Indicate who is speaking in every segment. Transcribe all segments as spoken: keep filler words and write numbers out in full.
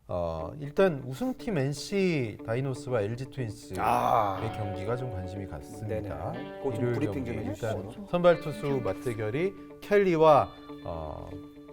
Speaker 1: 어, 일단 우승팀 엔씨 다이노스와 엘지 트윈스의
Speaker 2: 아.
Speaker 1: 경기가 좀 관심이 갔습니다.
Speaker 2: 네네. 그거 좀
Speaker 1: 일요일
Speaker 2: 브리핑
Speaker 1: 경기
Speaker 2: 좀
Speaker 1: 일단
Speaker 2: 해주시죠.
Speaker 1: 선발 투수 맞대결이 켈리와 어,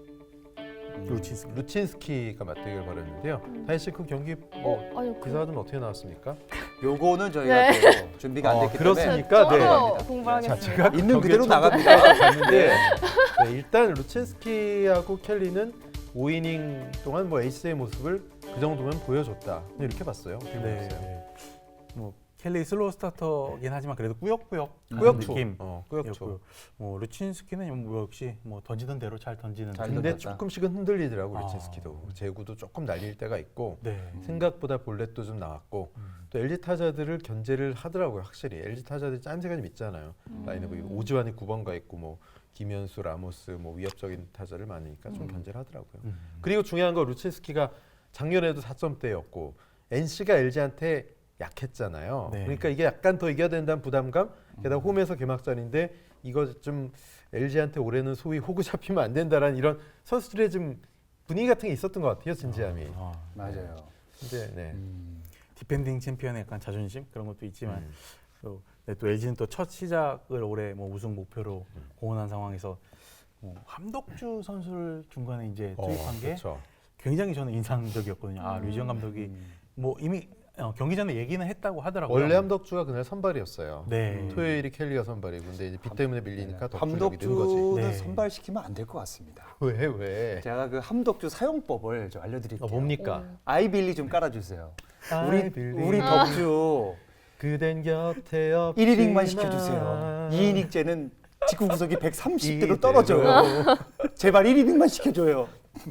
Speaker 3: 루친스키.
Speaker 1: 루친스키가 맞대결 벌였는데요. 다혜 씨 그 경기 뭐
Speaker 4: 어, 아니 그
Speaker 1: 기사가 좀 어떻게 나왔습니까?
Speaker 2: 요거는 저희가
Speaker 4: 네.
Speaker 2: 또 준비가 안
Speaker 1: 어,
Speaker 2: 됐기
Speaker 1: 그렇습니까?
Speaker 2: 때문에
Speaker 1: 네.
Speaker 2: 바로
Speaker 4: 저도
Speaker 2: 갑니다.
Speaker 4: 공부하겠습니다.
Speaker 1: 자, 제가
Speaker 2: 있는
Speaker 1: 경기에
Speaker 2: 그대로
Speaker 1: 처음
Speaker 2: 나갑니다.
Speaker 1: 봤는데 네, 일단 루친스키하고 켈리는 오 이닝 동안 뭐 에이스의 모습을 그 정도면 보여줬다. 이렇게 봤어요. 어떻게
Speaker 3: 네.
Speaker 1: 보셨어요?
Speaker 3: 네. 뭐 켈리 슬로우 스타터긴 하지만 그래도 꾸역꾸역
Speaker 1: 꾸역투.
Speaker 3: 느낌.
Speaker 1: 어, 꾸역투.
Speaker 3: 였고요. 뭐 루친스키는 뭐 역시 뭐 던지던 대로 잘 던지는.
Speaker 2: 잘
Speaker 1: 근데
Speaker 2: 던졌다.
Speaker 1: 조금씩은 흔들리더라고
Speaker 3: 아.
Speaker 1: 루친스키도. 제구도 조금 날릴 때가 있고
Speaker 3: 네.
Speaker 1: 생각보다 볼넷도 좀 나왔고
Speaker 3: 음.
Speaker 1: 또 엘지 타자들을 견제를 하더라고요. 확실히 엘지 타자들이 짠새가 좀 있잖아요. 라인업이 오지환이 구 번가 있고 뭐 김현수, 라모스 뭐 위협적인 타자를 많으니까 좀 견제를 하더라고요.
Speaker 3: 음.
Speaker 1: 그리고 중요한 건 루친스키가 작년에도 사 점대였고 엔씨가 엘지한테 약했잖아요.
Speaker 3: 네.
Speaker 1: 그러니까 이게 약간 더 이겨야 된다는 부담감. 게다가 홈에서 개막전인데 이거 좀 엘지한테 올해는 소위 호구 잡히면 안 된다라는 이런 선수들의 좀 분위기 같은 게 있었던 것 같아요. 진지함이.
Speaker 3: 아,
Speaker 2: 맞아요.
Speaker 1: 근데 네.
Speaker 2: 음.
Speaker 3: 디펜딩 챔피언의 약간 자존심 그런 것도 있지만
Speaker 1: 음.
Speaker 3: 또, 네, 또 엘지는 또 첫 시작을 올해 뭐 우승 목표로 공헌한 상황에서 뭐 함덕주 선수를 중간에 이제 투입한
Speaker 1: 어,
Speaker 3: 게
Speaker 1: 그렇죠.
Speaker 3: 굉장히 저는 인상적이었거든요. 아 류지영 감독이 뭐 이미 어, 경기 전에 얘기는 했다고 하더라고요.
Speaker 1: 원래 함덕주가 그날 선발이었어요.
Speaker 3: 네.
Speaker 1: 토요일이 켈리가 선발이고 근데 이제 비 때문에 밀리니까 더 출력이 는 거지.
Speaker 2: 함덕주는
Speaker 3: 네.
Speaker 2: 선발시키면 안 될 것 같습니다.
Speaker 1: 왜 왜?
Speaker 2: 제가 그 함덕주 사용법을 좀 알려드릴게요.
Speaker 1: 어, 뭡니까?
Speaker 2: 아이빌리 좀 깔아주세요. 우리
Speaker 1: 아이빌리.
Speaker 2: 우리 덕주
Speaker 1: 그댄 곁에 없지만
Speaker 2: 일 이닝만 시켜주세요. 이 이닝째는 직구 구속이 백삼십 대로
Speaker 1: 이대로.
Speaker 2: 떨어져요. 제발 일 이닝만 시켜줘요.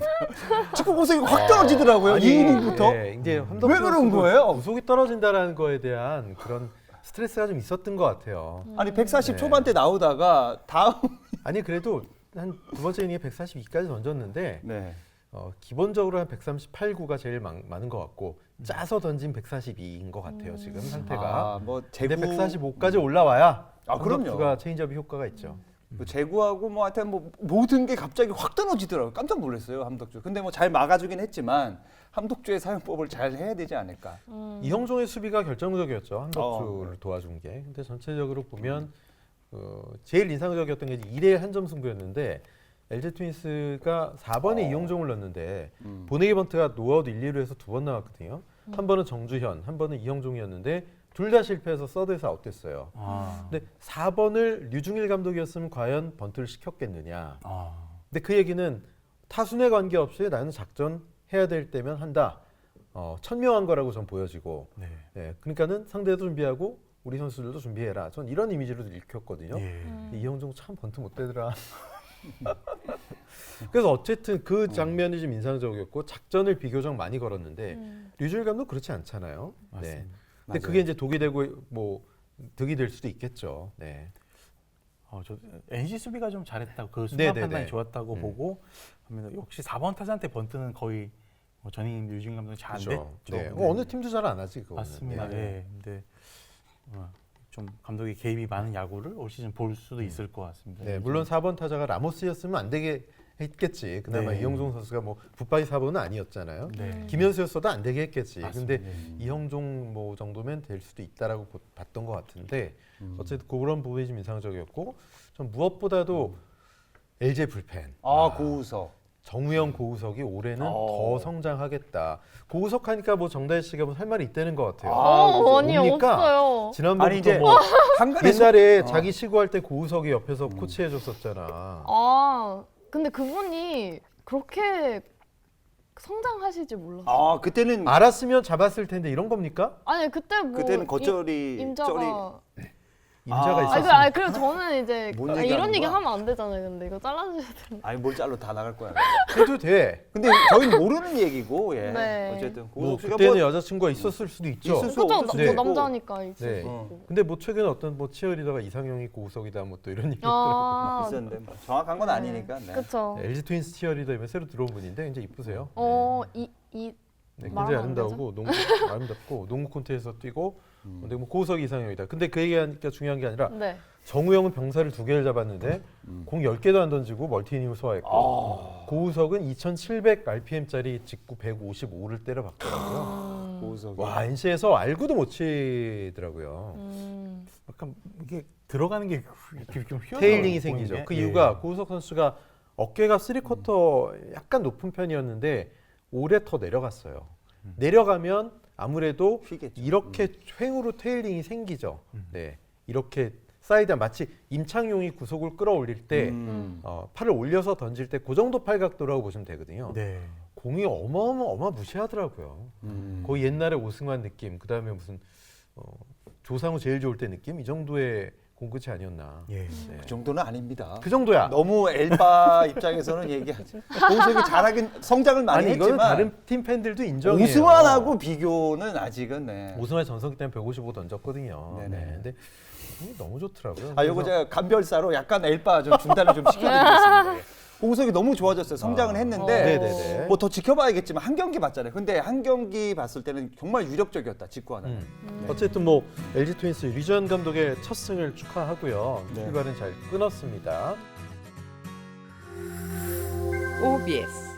Speaker 2: 직구 구속이 확 떨어지더라고요.
Speaker 1: 아니,
Speaker 2: 이 이닝부터.
Speaker 1: 예, 이제 함덕주
Speaker 2: 왜 그런
Speaker 1: 선수도
Speaker 2: 거예요?
Speaker 1: 구속이 떨어진다라는 거에 대한 그런 스트레스가 좀 있었던 것 같아요.
Speaker 2: 아니 백사십
Speaker 1: 네.
Speaker 2: 초반대 나오다가 다음
Speaker 1: 아니 그래도 한 두 번째 이닝에 백사십이까지 던졌는데
Speaker 2: 네.
Speaker 1: 어, 기본적으로 한 백삼십팔, 구가 제일 많, 많은 것 같고 짜서 던진 백사십이인 것 같아요. 지금 상태가.
Speaker 2: 아, 뭐
Speaker 1: 근데
Speaker 2: 제구
Speaker 1: 백사십오까지 올라와야
Speaker 2: 아, 그럼요.
Speaker 1: 함덕주가 체인지업이 효과가 있죠.
Speaker 2: 뭐 제구하고 뭐 하여튼 뭐 모든 게 갑자기 확 떨어지더라고요. 깜짝 놀랐어요, 함덕주. 근데 뭐 잘 막아주긴 했지만 함덕주의 사용법을 잘 해야 되지 않을까.
Speaker 1: 이형종의 수비가 결정적이었죠. 함덕주를
Speaker 2: 어.
Speaker 1: 도와준 게. 근데 전체적으로 보면 어, 제일 인상적이었던 게 일 대 한 점 승부였는데 엘지 트윈스가 사 번에
Speaker 2: 어.
Speaker 1: 이형종을 넣었는데
Speaker 2: 음.
Speaker 1: 보내기 번트가 노아웃 일, 이 루에서 두 번 나왔거든요. 한 번은 정주현, 한 번은 이형종이었는데 둘 다 실패해서 서드에서 아웃됐어요.
Speaker 3: 아,
Speaker 1: 근데 사 번을 류중일 감독이었으면 과연 번트를 시켰겠느냐.
Speaker 3: 아,
Speaker 1: 근데 그 얘기는 타순에 관계없이 나는 작전 해야 될 때면 한다. 어, 천명한 거라고 전 보여지고.
Speaker 3: 네.
Speaker 1: 네, 그러니까는 상대도 준비하고 우리 선수들도 준비해라. 전 이런 이미지로 읽혔거든요.
Speaker 3: 예.
Speaker 1: 근데 이형종 참 번트 못 되더라. 그래서 어쨌든 그 장면이 좀 인상적이었고 작전을 비교적 많이 걸었는데 류중일 감독 그렇지 않잖아요. 네.
Speaker 3: 맞습니다.
Speaker 1: 근데
Speaker 2: 맞아요.
Speaker 1: 그게 이제 독이 되고 뭐 득이 될 수도 있겠죠. 네.
Speaker 3: 어, 저 엔씨 수비가 좀 잘했다고 그 순간
Speaker 1: 네네네.
Speaker 3: 판단이 좋았다고
Speaker 1: 음.
Speaker 3: 보고 합니다. 역시 사 번 타자한테 번트는 거의 뭐 전임 류진 감독이 잘 안 됐죠.
Speaker 1: 네.
Speaker 3: 네.
Speaker 1: 어, 어느 팀도 잘 안 하지 그거.
Speaker 3: 맞습니다. 예. 근데 어, 좀 감독이 개입이 많은 야구를 올 시즌 볼 수도 있을 것 같습니다.
Speaker 1: 네, 물론 사 번 타자가 라모스였으면 안 되게 했겠지. 그나마
Speaker 3: 네.
Speaker 1: 이형종 선수가 뭐 붙박이 사 번은 아니었잖아요.
Speaker 3: 네.
Speaker 1: 김현수였어도 안 되게 했겠지.
Speaker 3: 맞습니다.
Speaker 1: 근데
Speaker 3: 네.
Speaker 1: 이형종 뭐 정도면 될 수도 있다라고 보- 봤던 것 같은데
Speaker 2: 음.
Speaker 1: 어쨌든 그런 부분이 좀 인상적이었고 좀 무엇보다도 엘지 불펜.
Speaker 2: 아, 고우석.
Speaker 1: 정우영, 고우석이 올해는
Speaker 2: 어.
Speaker 1: 더 성장하겠다. 고우석 하니까 뭐 정다혜 씨가 뭐 할 말이 있다는 것 같아요.
Speaker 2: 아,
Speaker 4: 어, 아니
Speaker 1: 뭡니까?
Speaker 4: 없어요.
Speaker 1: 지난번부터
Speaker 2: 아니 이제
Speaker 1: 뭐
Speaker 2: 한간에
Speaker 1: 옛날에
Speaker 2: 어.
Speaker 1: 자기 시구할 때 고우석이 옆에서 코치해줬었잖아.
Speaker 4: 아 근데 그분이 그렇게 성장하실 몰랐어요.
Speaker 2: 아 그때는
Speaker 1: 알았으면 잡았을 텐데 이런 겁니까?
Speaker 4: 아니 그때 뭐
Speaker 2: 그때는 겉절이
Speaker 4: 임- 임자가
Speaker 2: 쩔이
Speaker 1: 임자가
Speaker 2: 아.
Speaker 4: 아니,
Speaker 1: 있었으면
Speaker 4: 그, 아니 그리고 저는 이제
Speaker 2: 뭔
Speaker 4: 아,
Speaker 2: 얘기하는
Speaker 4: 이런 얘기
Speaker 2: 거야?
Speaker 4: 하면 안 되잖아요. 근데 이거 잘라주셔야 되는.
Speaker 2: 아니 뭘 잘로 다 나갈 거야.
Speaker 1: 해도 돼.
Speaker 2: 근데 저희는 모르는 얘기고 예.
Speaker 4: 네.
Speaker 2: 어쨌든
Speaker 1: 뭐
Speaker 2: 고우석 씨가
Speaker 1: 그때는
Speaker 2: 뭐
Speaker 1: 여자친구가 있었을 수도 있죠.
Speaker 2: 있을 수
Speaker 4: 그죠?
Speaker 2: 없을
Speaker 4: 나-
Speaker 2: 수도
Speaker 1: 네.
Speaker 4: 뭐
Speaker 2: 있고.
Speaker 4: 남자니까 있을
Speaker 1: 네.
Speaker 4: 수
Speaker 2: 어.
Speaker 4: 있고.
Speaker 1: 근데 뭐 최근에 어떤 뭐 치어리더가 이상형이 고우석이다 뭐 또 이런 얘기 있더라고요.
Speaker 4: 아
Speaker 2: 있었는데 뭐 정확한 건 아니니까. 네.
Speaker 4: 그쵸.
Speaker 1: 엘지 트윈스 치어리더면 새로 들어온 분인데 이제 이쁘세요.
Speaker 4: 어, 이, 이,
Speaker 1: 네,
Speaker 4: 말하면
Speaker 1: 굉장히
Speaker 4: 안
Speaker 1: 아름다우고 농구 아름답고 농구 콘테에서 뛰고
Speaker 2: 음.
Speaker 1: 근데 뭐 고우석 이상형이다. 근데 그 얘기하니까 중요한 게 아니라
Speaker 4: 네.
Speaker 1: 정우영은 병사를 두 개를 잡았는데
Speaker 2: 음.
Speaker 1: 공 열 개도 안 던지고 멀티 이닝을 소화했고
Speaker 2: 아.
Speaker 1: 고우석은 이천칠백 알피엠짜리 직구 백오십오를 때려박더라고요.
Speaker 4: 음.
Speaker 2: 고우석이.
Speaker 1: 와 엔씨에서 알구도 못 치더라고요.
Speaker 4: 음.
Speaker 3: 약간 이게 들어가는 게 이렇게 좀 휘어
Speaker 1: 테일링이 생기죠. 그
Speaker 3: 예.
Speaker 1: 이유가 고우석 선수가 어깨가 쓰리쿼터 약간 높은 편이었는데 올해 더 내려갔어요. 내려가면 아무래도
Speaker 2: 휘겠죠.
Speaker 1: 이렇게 횡으로 테일링이 생기죠. 네, 이렇게 사이드 마치 임창용이 구속을 끌어올릴 때
Speaker 2: 음.
Speaker 1: 어, 팔을 올려서 던질 때 그 정도 팔각도라고 보시면 되거든요.
Speaker 3: 네.
Speaker 1: 공이 어마어마 어마무시하더라고요.
Speaker 2: 음.
Speaker 1: 거의 옛날에 오승환 느낌, 그 다음에 무슨 어, 조상우 제일 좋을 때 느낌 이 정도의 공끝이 아니었나.
Speaker 3: 예.
Speaker 1: 네.
Speaker 2: 그 정도는 아닙니다.
Speaker 1: 그 정도야.
Speaker 2: 너무 엘바 입장에서는 얘기하지. 고우석이 잘하긴 성장을 많이
Speaker 1: 아니 이거는
Speaker 2: 했지만
Speaker 1: 다른 팀 팬들도 인정해요.
Speaker 2: 오승환하고 비교는 아직은 네.
Speaker 1: 오승환 전성기 때는 백오십오 던졌거든요.
Speaker 2: 네네.
Speaker 1: 네. 근데 공이 너무 좋더라고요.
Speaker 2: 아, 요거
Speaker 1: 그래서
Speaker 2: 제가 간별사로 약간 엘바 좀 중단을 좀 시켜드리겠습니다. 예. 고우석이 너무 좋아졌어요. 성장은
Speaker 1: 아.
Speaker 2: 했는데
Speaker 1: 네네네.
Speaker 2: 뭐 더 지켜봐야겠지만 한 경기 봤잖아요. 근데 한 경기 봤을 때는 정말 유력적이었다. 직구 하나.
Speaker 1: 음.
Speaker 4: 음.
Speaker 1: 어쨌든 뭐 엘지 트윈스 류지현 감독의 첫 승을 축하하고요.
Speaker 2: 네.
Speaker 1: 출발은 잘 끊었습니다.
Speaker 5: 오비에스